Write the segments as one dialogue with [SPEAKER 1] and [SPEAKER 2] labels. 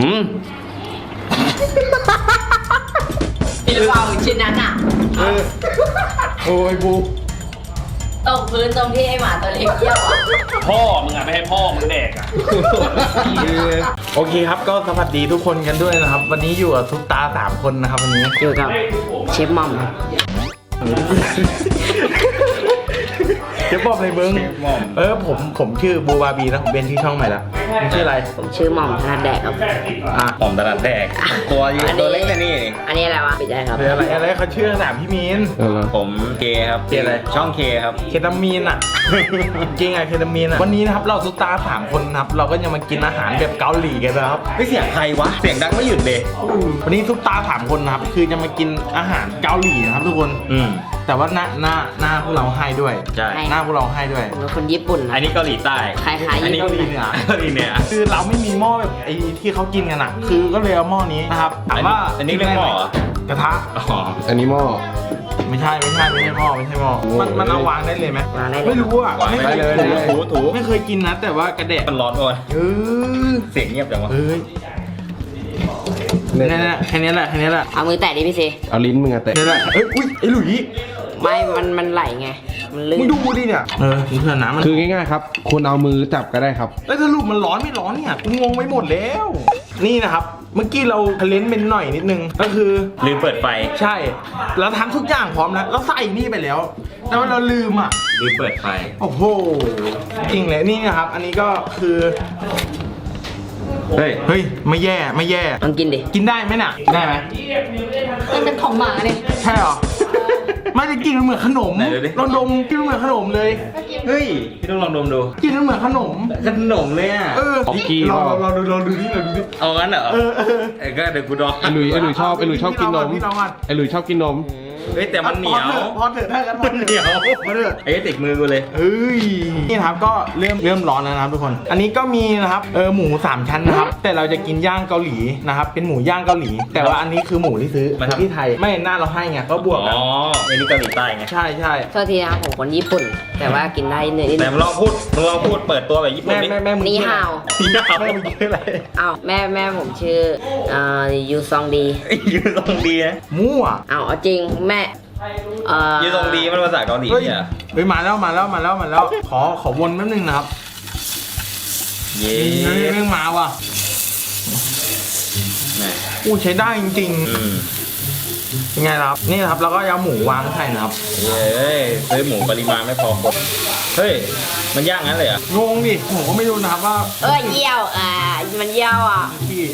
[SPEAKER 1] พี่รู้เปล่าชิ้นนั้นอ่ะ
[SPEAKER 2] โอ้ยบู
[SPEAKER 1] ตกพื้นตรงที่ไอหมาตัวเล็กเยี่ยวอ่ะ
[SPEAKER 3] พ่อมึงอะไม่ให้พ่อมึงแดกอะ
[SPEAKER 2] โอเคครับก็สวัสดีทุกคนกันด้วยนะครับ วันนี้อยู่กับทุกตา3 คนนะครับวันนี้
[SPEAKER 1] อยู่กับเชฟหม่อมครับ
[SPEAKER 2] เดี๋ยวบอกเลยเบิ้งผมชื่อบูบาบีนะผมเป็นที่ช่องใหม่ละมึงชื่ออะไร
[SPEAKER 1] ผมชื่อหม่อมธนัดแดกครับ
[SPEAKER 2] อ่ะ
[SPEAKER 3] หอมตลาดแดกตัวเล็กแค่นี้เอง
[SPEAKER 1] อันนี้อะไรวะปิดได้ครับ
[SPEAKER 2] เป็นอะไรเขาชื่อขนาดพี่มีน
[SPEAKER 3] ผมเคครับ
[SPEAKER 2] เคอะไร
[SPEAKER 3] ช่องเคครับ
[SPEAKER 2] เคตามีนอ่ะ จริงอ่ะเคตามีนอ่ะวันนี้นะครับเราทุกตา3 คนนะครับเราก็จะมากินอาหารแบบเกาหลีกันนะครับ
[SPEAKER 3] ไม่เสียงใครวะเสียงดังไม่หยุดเลย
[SPEAKER 2] วันนี้ทุกตา3 คนนะครับคือจะมากินอาหารเกาหลีนะครับทุกคน แต่ว่าหน้าพวกเราให้ด้วย
[SPEAKER 3] ใช่
[SPEAKER 2] หน้าพวกเราให้ด้วย
[SPEAKER 1] ผมเป็นคนญี่ปุ่น
[SPEAKER 3] อั
[SPEAKER 1] นะ
[SPEAKER 3] นนี้เกาหลีใต้
[SPEAKER 1] คล้ายๆ
[SPEAKER 3] อันนี้
[SPEAKER 1] ญี่
[SPEAKER 3] เกา
[SPEAKER 1] ปุ่น
[SPEAKER 3] หลีเหนือเกาหลีเหนือ
[SPEAKER 2] คือเราไม่มีหม้อแบบไอ้ที่เขากินกันอ่ะ คือก็เลยเอาหม้อนี้นะครับถามว่า
[SPEAKER 3] อันนี้เรียกหม้อเหรอ
[SPEAKER 2] กระทะ
[SPEAKER 3] อ๋อ
[SPEAKER 4] อันนี้หม้อ
[SPEAKER 2] ไม่ใช่หม้อไม่ใช่หม้อมันเอาวางได้เลยไหม
[SPEAKER 1] วางได้เลย
[SPEAKER 2] ไม่รู้อ่ะ
[SPEAKER 3] วาง
[SPEAKER 2] ไม่
[SPEAKER 3] ได้
[SPEAKER 2] เคย
[SPEAKER 3] เลย
[SPEAKER 2] กิน
[SPEAKER 3] ถู
[SPEAKER 2] ไม่เคยกินนะแต่ว่ากระเดะ
[SPEAKER 3] มันร้อนโอ้ย
[SPEAKER 2] เออ
[SPEAKER 3] เสียงเงียบจังวะ
[SPEAKER 2] เอ้ยนั่นแหละแค่นี้แหละ
[SPEAKER 1] เอามือแตะดิพี่ซี
[SPEAKER 4] เอาลิ้นมึงอะเตะ
[SPEAKER 2] แค่นี้แหละเอ้ยอุ้ยไอ้หลุย
[SPEAKER 1] ไม่มันไหลไง มันลื่
[SPEAKER 2] มึง
[SPEAKER 1] น
[SPEAKER 2] ดูดิเนี่ยมึงเพื่อนน้ำมัน
[SPEAKER 4] คือง่ายๆครับคุณเอามือจับก็ได้ครับ
[SPEAKER 2] แล้วสรุปมันร้อนไม่ร้อนเนี่ยกูงงไปหมดแล้ว นี่นะครับ เมื่อกี้เราทะเลนเป็นหน่อยนิดนึงก็คือ
[SPEAKER 3] ลืมเปิดไฟ
[SPEAKER 2] ใช่เราทำทุกอย่างพร้อมแล้วเราใส่นี่ไปแล้ว แต่ว่าเราลืมอ่ะ
[SPEAKER 3] ลืมเปิดไฟ
[SPEAKER 2] โอ้โหจริงเลยนี่นะครับ อันนี้ก็คือ
[SPEAKER 3] เฮ้ย
[SPEAKER 2] เฮ้ยไม่แย่
[SPEAKER 1] ลองกินดิ
[SPEAKER 2] กินได้ไหมน่ะได้ไหม
[SPEAKER 1] มันเป็นของหมาเนี่ย
[SPEAKER 2] ใช่หรอ ไม่ได้กินมันเหมือนขนม
[SPEAKER 3] ไหนดูดิ
[SPEAKER 2] เราดมกินมันเหมือนขนมเลย
[SPEAKER 3] เฮ้ยพี่ต้องลองดมดู
[SPEAKER 2] กินมันเหมือนขนม
[SPEAKER 3] ขนมเลยอ่ะ
[SPEAKER 2] เออ
[SPEAKER 4] ของกี้
[SPEAKER 2] เรา
[SPEAKER 4] เปล่า
[SPEAKER 2] เราดูนี่เราดูนี่
[SPEAKER 3] เอางั้นเหรอ
[SPEAKER 2] เออ
[SPEAKER 3] ก็เดี๋ยวกูดอง
[SPEAKER 4] ไอหลุยชอบกินนม
[SPEAKER 2] พี่ลองก่อน
[SPEAKER 4] ไอหลุยชอบกินนม
[SPEAKER 3] เฮ้ยแต่มันเหนียว
[SPEAKER 2] พอเถอะถ้ากันพอ
[SPEAKER 3] มันเหนียว
[SPEAKER 2] พอเถอะ
[SPEAKER 3] ไอ้ติดมือกูเลย
[SPEAKER 2] เอ้ยนี่นะครับก็เริ่มร้อนแล้วนะครับทุกคน อันนี้ก็มีนะครับหมู3 ชั้นนะครับ แต่เราจะกินย่างเกาหลีนะครับ เป็นหมูย่างเกาหลี แต่ว่าอันนี้คือหมูที่ซื้อ
[SPEAKER 3] มาทำ
[SPEAKER 2] ที่ไทยไม่หน้าเราให้ไงก็บวกกัน
[SPEAKER 3] อ๋อไอ้นี่เกาหลีใต้ไง
[SPEAKER 2] ใช่
[SPEAKER 1] โทษทีนะครับผมคนญี่ปุ่น แต่ว่ากินได้เนื้อนิด
[SPEAKER 3] แต่
[SPEAKER 1] นึง
[SPEAKER 3] มึงลองพูดเปิดตัวแบบญี่ปุ่นดิ
[SPEAKER 2] แม่มึง
[SPEAKER 1] นี่
[SPEAKER 2] ชื่อ
[SPEAKER 1] ฮาว
[SPEAKER 2] อะไรแม่มึงชื่ออะไร
[SPEAKER 1] อ้าวแม่ผมชื่อยูซองดี
[SPEAKER 3] ยืนตรงดีนะ
[SPEAKER 2] มั่ว
[SPEAKER 1] อ้าวเอาจริงแม่
[SPEAKER 3] ยืนตรงดีมันภาษาเกาหลี
[SPEAKER 2] เฮ้ย
[SPEAKER 3] เนี่ย
[SPEAKER 2] เฮ้ยมาแล้วขอวนแป๊บนึงนะครับ
[SPEAKER 3] เย้
[SPEAKER 2] เฮ้ยแม่งมาว่ะ
[SPEAKER 3] แหม่
[SPEAKER 2] อู้ใช้ได้จริง
[SPEAKER 3] อืม
[SPEAKER 2] ๆเป็นไงล่ะครับนี่นะครับเราก็เอาหมูวางใส่นะครับ
[SPEAKER 3] เย้ซื้อหมูปริมาณไม่พอคนเฮ้ยมันย่างงั้นเลยเหรอ่ะ
[SPEAKER 2] งงดิผมก็ไม่รู้นะครับว่า
[SPEAKER 1] เยี่ยวมันเยี่ยวอ่ะ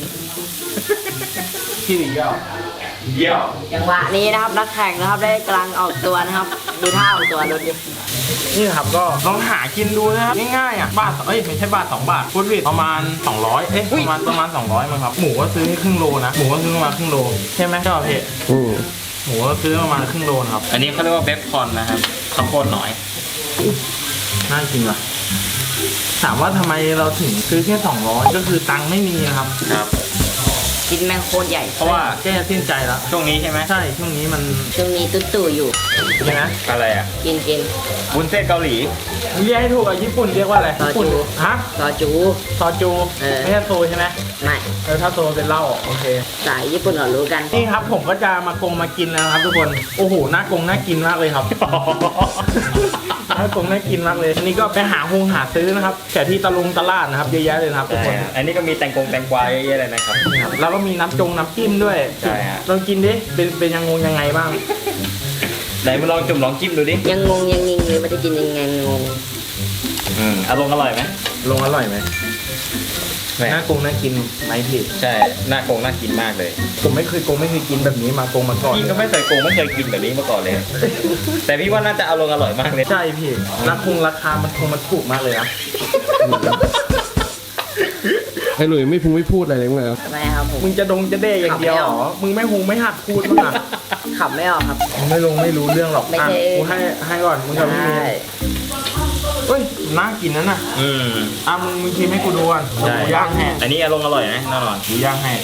[SPEAKER 2] ขี้หรือเยี่ยว
[SPEAKER 3] เยี่ยว
[SPEAKER 1] จังหวะนี้นะครับนักแข่งนะครับได้กำลังออกตัวนะครับ ดูท่าออกตัวรถดิ
[SPEAKER 2] นี่นะครับก็ลองหากินดูนะครับง่ายๆอ่ะบาทไม่ใช่บาท2 บาทพูดผิดประมาณ200ประมาณ200มั้งครับหมูก็ซื้อครึ่งโลนะหมูก็ซื้อประมาณครึ่งโลใช่ไหมเจ้าเพจหมูก็ซื้อประมาณครึ่งโลนะครับ
[SPEAKER 3] อันนี้เขาเรียกว่าเบฟคอนนะครับข้าวโพดน้อย
[SPEAKER 2] น่ากินว่ะถามว่าทำไมเราถึงซื้อแค่200ก็คือตังค์ไม่มีนะครับ
[SPEAKER 3] ครับ
[SPEAKER 1] กินแมงโคตรใหญ่
[SPEAKER 3] เพราะว่า
[SPEAKER 2] แก้สิ้นใจแล้ว
[SPEAKER 3] ช่วงนี้ใช่ไหม
[SPEAKER 2] ใช่ช่วงนี้มัน
[SPEAKER 1] ช่วงนี้ตู่ๆอยู่
[SPEAKER 2] ใช่ไหม
[SPEAKER 3] อะไรอ่ะ
[SPEAKER 1] กิน
[SPEAKER 3] วุ้นเส้นเกาหลี
[SPEAKER 2] เรียกให้ถูกอ่ะญี่ปุ่นเรียกว่าอะไร
[SPEAKER 1] ซอจู
[SPEAKER 2] ญี่ปุ่นฮะ
[SPEAKER 1] ซอจู
[SPEAKER 2] ซอจู
[SPEAKER 1] เออ
[SPEAKER 2] ไม่ใช่โซใช่ไหม
[SPEAKER 1] ไม่
[SPEAKER 2] ถ้าโซเป็นเหล้าโอเค
[SPEAKER 1] สายญี่ปุ่นเรารู้กัน
[SPEAKER 2] นี่ครับผมก็จะมากินแล้วนะครับทุกคนโอ้โหน่ากินมากเลยครับ น่ากินมากเลยอันนี้ก็ไปหาซื้อนะครับแต่ที่ตลาดนะครับเยอะแยะเลยนะครับทุก
[SPEAKER 3] ใช่
[SPEAKER 2] คน
[SPEAKER 3] ฮะอันนี้ก็มีแตงกวาเยอะๆเลยนะครับ
[SPEAKER 2] นี่ครับแล้วก็มีน้ำจิ้มด้วย
[SPEAKER 3] ใช่ฮะ
[SPEAKER 2] ลองกินดิเป็นยังไงบ้าง
[SPEAKER 3] ไหนมาลองจุ่มลองจิ้มดูดิ
[SPEAKER 1] ยังงงยังงิงเลยมันจะกินยังไงงง
[SPEAKER 3] อร่อยไหม
[SPEAKER 2] ลงอร่อยไหม
[SPEAKER 3] แหม่
[SPEAKER 2] น่ากินไหมพี่
[SPEAKER 3] ใช่น่ากินมากเลย
[SPEAKER 2] ผมไม่เคยกินแบบนี้มาก่อน
[SPEAKER 3] พี่ก็ไม่เคยกินแบบนี้มาก่อนเลย แต่พี่ว่าน่าจะอร่อยมากเลย
[SPEAKER 2] ใช่พี่ราคามันถูกมากเลยนะ
[SPEAKER 4] ไอหลุยไม่พูดอะไรเลยมึงเลย
[SPEAKER 1] ทำไมครับผม
[SPEAKER 2] มึงจะจะเด้อย่างเดียวเหรอมึงไม่หัดพูดมั้งอ่ะ
[SPEAKER 1] ขับไม่ออกครับ
[SPEAKER 2] มึงไม่รู้เรื่องหรอก
[SPEAKER 1] ไม่
[SPEAKER 2] อ่ะ
[SPEAKER 1] ใช่
[SPEAKER 2] กูให้ก่อนมึงกับพี่เมย์ เฮ้ยน่ากินนั่นน่ะ มึงชิมให้กูดูก่อน
[SPEAKER 3] ใช่
[SPEAKER 2] กูย่างให้
[SPEAKER 3] อันนี้อร่อยนะแน่นอน
[SPEAKER 2] กูย่างให้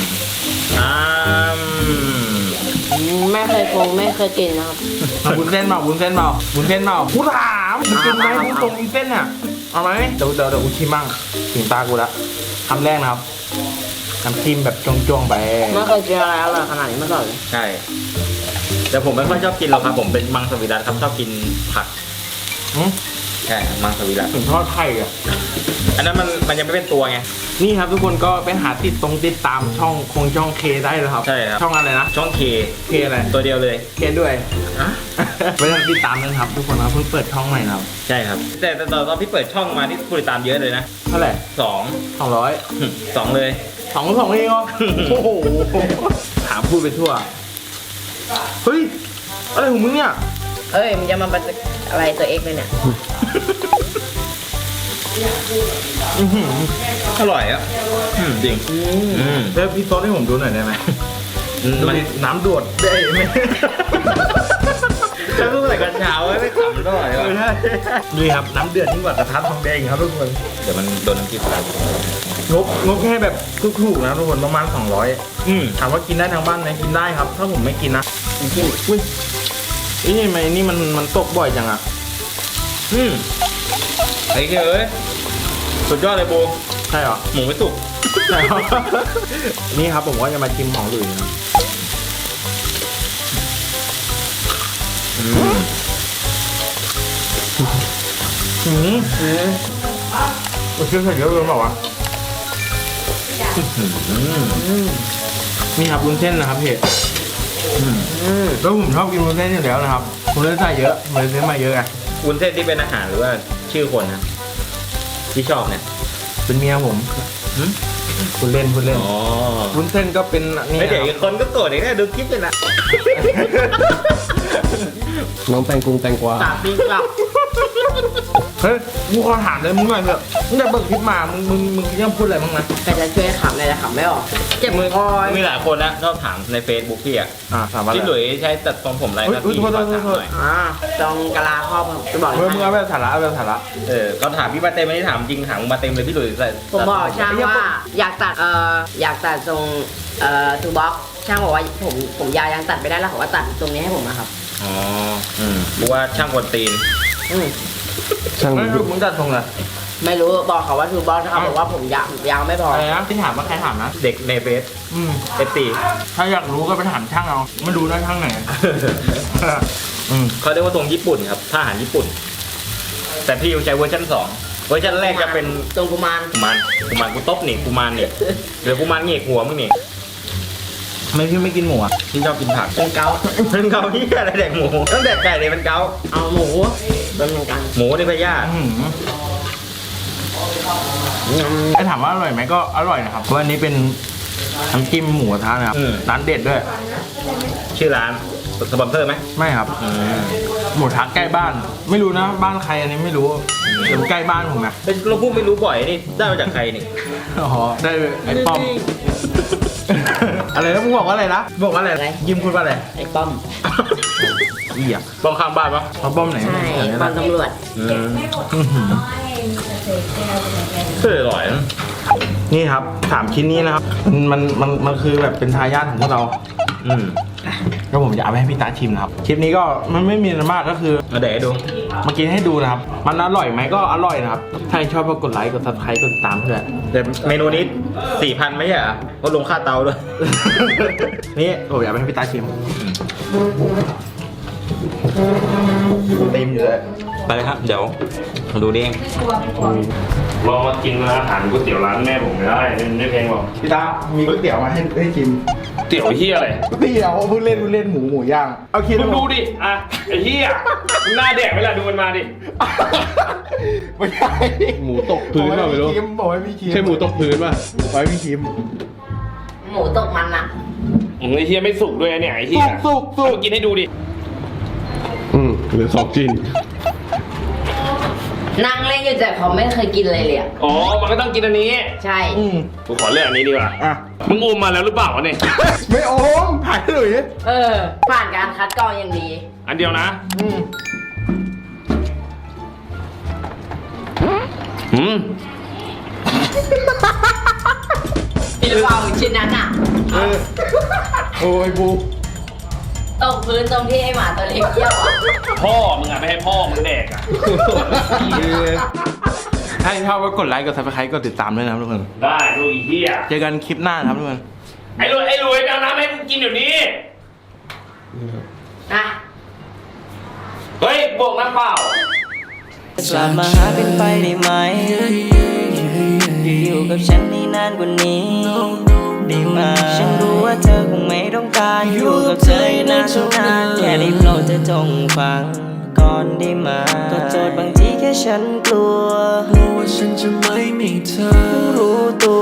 [SPEAKER 1] ไม่เคยกินนะครับ
[SPEAKER 2] เอาวุ้นเส้นเปล่ากูถามมึงกินไหมวุ้นเส้นอ่ะเอาไหมเดี๋ยวกูชิมบ้างถึงตากูละคำแรกนะครับน้ำจิ้มแบบจ้วงๆไป
[SPEAKER 1] ไม่เคยกินอะไรอร่อยขนาดนี้มาก่อนเลย
[SPEAKER 3] ใช่ แต่ผมไม่ค่อยชอบกินหรอกครับ ผมเป็นมังสวิรัติครับชอบกินผัก
[SPEAKER 2] อืม
[SPEAKER 3] ใช่ มังสวิรัติ
[SPEAKER 2] ถึงทอดไข่อ่ะ
[SPEAKER 3] อันนั้นมันยังไม่เป็นตัวไง
[SPEAKER 2] นี่ครับทุกคนก็ไปหาติดตามช่องเคได้เลยครับ
[SPEAKER 3] ใช่ครับ
[SPEAKER 2] ช่องอะไรนะ
[SPEAKER 3] ช่องเค
[SPEAKER 2] เคอะไร
[SPEAKER 3] ตัวเดียวเลย
[SPEAKER 2] เคด้วยไปติดตามกันครับทุกคนนะเพิ่งเปิดช่องใหม่นะครับ
[SPEAKER 3] ใช่ครับ แต่ตอนพี่เปิดช่องมาที่ผู้ติดตามเยอะเลยนะ
[SPEAKER 2] เท่าไหร่
[SPEAKER 3] สอง
[SPEAKER 2] 200
[SPEAKER 3] 2เลย
[SPEAKER 2] สองเองเหรอ โอ้โหถามพูดไปทั่วเฮ้ยอะไรของมึงเนี่ย
[SPEAKER 1] เอ้ยมันจะมาเป็นอะไรตัวเอกเลยเนี่ย
[SPEAKER 2] อื้อหือ
[SPEAKER 3] อร่อยอ่ะจริง
[SPEAKER 2] แล้วพี่โต๊ดให้ผมดูหน่อยได้ไหม
[SPEAKER 3] มัน
[SPEAKER 2] น้ำดวดได้ไหม
[SPEAKER 3] จะพูดอะไรกันเช้าไม่ขำด้วยว่ะ
[SPEAKER 2] นี่ครับน้ำเดือดยิ่งกว่ากระทะทองแดงอีกครับทุกคน
[SPEAKER 3] เดี๋ยวมันโดนน้ำจิ้มแล้ว
[SPEAKER 2] งบแค่แบบถูกๆนะทุกคนประมาณ200ถามว่ากินได้ทางบ้านไหมกินได้ครับ ถ้าผมไม่กินนะอุ้ยนี่ทำไมนี่มันตกบ่อยจังอ่ะ
[SPEAKER 3] ไอ้เอ้ยสุดยอดเลยโบ
[SPEAKER 2] ใช่เหรอ
[SPEAKER 3] หมูไม่สุก
[SPEAKER 2] ใช่เหรอ นี่ครับผมก็จะมาชิมของหลุยส์นะโอ้ยเชื่อใส่เยอะเลยเปล่าวะนี่ครับวุ้นเส้นนะครับพี่แล้วผมชอบกินวุ้นเส้นอยู่แล้วนะครับผมเลยใส่เยอะผมเลยซื้อมาเยอะไง
[SPEAKER 3] วุ้นเส้นที่เป็นอาหารหรือว่าชื่อคนนะที่ชอบเนี่ย
[SPEAKER 2] เป็นเมียผมคุณเล่น
[SPEAKER 3] อ๋อ
[SPEAKER 2] วุ้นเส้นก็เป็นนี่
[SPEAKER 3] ไม่เดี๋ยวอีกคนก็โกรธอีกแน่ดูคลิปเลยนะ
[SPEAKER 4] น้องแตงแตงกวา
[SPEAKER 1] ตัดปีกลับ
[SPEAKER 2] เฮ้ยกูขอถามเลยมึงหน่อยเถอะมึงได้เบิกคลิปมามึงยังพูดอะไรบ้างนะ
[SPEAKER 1] แต่จะช่วยขำเลยแต่ขำไม่ออก เจ็บมือคอย
[SPEAKER 3] มีหลายคนนะชอบถามใน Facebook พี่อ่ะ
[SPEAKER 2] ถามว่า
[SPEAKER 3] พี่หลุยใช้ตัดทรงผมอะไรนะ
[SPEAKER 2] อุ๊ย
[SPEAKER 3] พี่
[SPEAKER 2] โทษ
[SPEAKER 3] ขอถาม
[SPEAKER 2] โทษ
[SPEAKER 3] หน่อย
[SPEAKER 1] ตรงกะลาครอบจะบอก
[SPEAKER 2] มึงเอาไปสาระเอาไปสาระ
[SPEAKER 3] เขาถามพี่มาเต็มไม่ได้ถามจริงถามมาเต็มเลยพี่หลุยใส่
[SPEAKER 1] ผมบอกช่างว่าอยากตัดทรงทูบ็อกช่างบอกว่าผมยาวยังตัดไม่ได้แล้วเขาว่าตัดตรงนี้ให้ผมนะครับ
[SPEAKER 3] อ๋อเพราะว่าช่างกวนตีน
[SPEAKER 4] ช่าง
[SPEAKER 2] ไม่รู้มึงจัดทรงอะไร
[SPEAKER 1] ไม่รู้บอกเขาว่าทูบ็อกเขาบอกว่าผมยาวไม่พอ
[SPEAKER 2] อะไรนะที่ถามว่าใครถามนะ
[SPEAKER 3] เด็กในเฟซFC
[SPEAKER 2] ถ้าอยากรู้ก็ไปถามช่างเอาไม่รู้นะช่างไหน
[SPEAKER 3] เขาเรียกว่าทรงญี่ปุ่นครับทหารญี่ปุ่น แต่พี่ใช้เวอร์ชัน2เวอร์ชันแรกจะเป็น
[SPEAKER 1] ตรงกุมาร
[SPEAKER 3] กุมารกูตบนี่กุมารนี่หรือกุมารเหงกหัวมึงนี่
[SPEAKER 2] ไม่พี่ไม่กินหมูอ่ะ
[SPEAKER 3] พี่ชอบกินผัก
[SPEAKER 1] เป็นเกา
[SPEAKER 3] เป็นเกาที่อะไรแดกหมูตั้งแต่ไก่เลยเป็นเกา
[SPEAKER 1] เอาหมูเป็นเหมือนกัน
[SPEAKER 3] หมูในพยาธิ
[SPEAKER 2] ไอ้ถามว่าอร่อยไหมก็อร่อยนะครับเพราะอันนี้เป็นน้ำจิ้มหมูกระทะนะครับร้านเด็ดด้วย
[SPEAKER 3] ชื่อร้านสปอนเซอร์ไหม
[SPEAKER 2] ไม่ครับหมูกระทะใกล้บ้าน ไม่รู้นะบ้านใครอันนี้ไม่รู้เดี๋ยวใกล้บ้านผมนะ
[SPEAKER 3] เราพูดไม่รู้บ่อยนี่ได้มาจากใครนี่
[SPEAKER 2] อ๋อได้ไอ้ป้อม อะไรนะมึงบอกว่าอะไรนะบอกว่าอะไรยิ้มพูดว่าอะไร
[SPEAKER 1] ไอ้ป้อม
[SPEAKER 2] เหี้ย
[SPEAKER 3] บ้องข้างบ้านปะ
[SPEAKER 2] เขาป้อมไหน
[SPEAKER 1] ใช่
[SPEAKER 2] อย่างนี้
[SPEAKER 1] ป้อ
[SPEAKER 2] นะ
[SPEAKER 1] มตำรวจ
[SPEAKER 3] อร่อยนะ
[SPEAKER 2] นี่ครับ3ชิ้นนี้นะครับมันคือแบบเป็นทายาทของพวกเราก็ผมจะเอาไปให้พี่ตาชิมนะครับคลิปนี้ก็มันไม่มีอะไรมากก็คือ
[SPEAKER 3] มาแดกให้ดู
[SPEAKER 2] มากินให้ดูนะครับมันอร่อยไหมก็อร่อยนะครับถ้าชอบก็กดไลค์กด subscribe กดติดตามเพื่อน
[SPEAKER 3] แต่เมนูนี้ 4,000 ไม่ใช่เหรอเพราะลงค่าเตาด้วย
[SPEAKER 2] นี่ผมอยากไปให้พี่ตาชิมเต็มอยู่เลย
[SPEAKER 3] ไปเลยครับ เดี๋ยวมาดูนี่เอง
[SPEAKER 5] ลองมากินอาหารก๋วยเตี๋ยวร้านแม่ผมไม่ได้ไม่แพงหรอก
[SPEAKER 2] พี่ตามีก๋วยเตี๋ยวมาให้ชิม
[SPEAKER 5] เตี๋ยวเฮียอะไร
[SPEAKER 2] ก๋วยเตี๋ยวเพิ่งเล่นหมูย่างเอาคิด
[SPEAKER 5] มึงดูดิ อ่ะ ไอ้เฮียมึงหน้าแดกเวลาดูมันมาดิ
[SPEAKER 2] ไม่ใช่
[SPEAKER 4] หมูตกพื้นเปล่าไม่รู้
[SPEAKER 2] บอกให้พี่ชิม
[SPEAKER 4] ใช่หมูตกพื้นป่ะ
[SPEAKER 2] บอกให้พี่ชิม
[SPEAKER 1] หมูตกมันอะ
[SPEAKER 5] ไอ้เฮียไม่สุกด้วยเนี่ยไอ้เฮีย
[SPEAKER 2] สุก
[SPEAKER 5] เอามากินให้ดูดิ
[SPEAKER 4] เหลือ2 ชิ้น
[SPEAKER 1] นั่งเล่นอยู่แต่เขาไม่เคยกินเลยเลยอะ
[SPEAKER 5] อ๋อ มันก็ต้องกินอันนี้
[SPEAKER 1] ใช่
[SPEAKER 5] กูขอเลือกอันนี้ดีกว่า
[SPEAKER 2] อ่ะ
[SPEAKER 5] มึงอมมาแล้วหรือเปล่าวะเนี่ย
[SPEAKER 2] ไม่โอมถ่ายหน่อยดิ
[SPEAKER 1] ผ่านการคัดกรองอย่างดี
[SPEAKER 5] อันเดียวนะ
[SPEAKER 1] กินหรือเปล่าชิ้นนั้นอะ
[SPEAKER 2] โอ้ยบู
[SPEAKER 1] ตกพื้นตรงที่ไอหมาตัวเล็กเยี่ยวอะ
[SPEAKER 5] พ่อมึงอ่ะไม่ให้พ่อมึงแดกอ่ะ
[SPEAKER 2] ถ้าชอบก็กดไลค์กดซับสไครต์กดติดตามด้วยนะครับทุกคน
[SPEAKER 5] ได้ลูกอีเหี้ย
[SPEAKER 2] เจอกันคลิปหน้านะครับทุกคน
[SPEAKER 5] ไอ้รวยไปเอาน้ำให้กูกินเดี๋ยวนี้
[SPEAKER 1] อ่ะ
[SPEAKER 5] เฮ้ยบวกน้ำเปล่า
[SPEAKER 6] กลับมาหาเป็นไปได้ไหมอยู่กับฉันให้นานกว่านี้ได้ไหมฉันรู้ว่าเธอคงไม่ต้องการอยู่กับเธอให้นานเท่านั้นแค่ได้โปรดเธอจงฟังก่อนได้ไหมก็โจทย์บางทีแค่ฉันกลัวว่าฉันจะไม่มีเธอรู้ตัว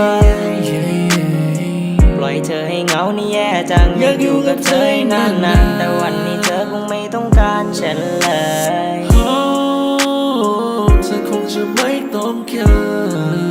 [SPEAKER 6] ปล่อยเธอให้เหงานี่แย่จังอยากอยู่กับเธอให้นานๆแต่วันนี้เธอคงไม่ต้องการฉันเลยเธอคงจะไม่ต้องการ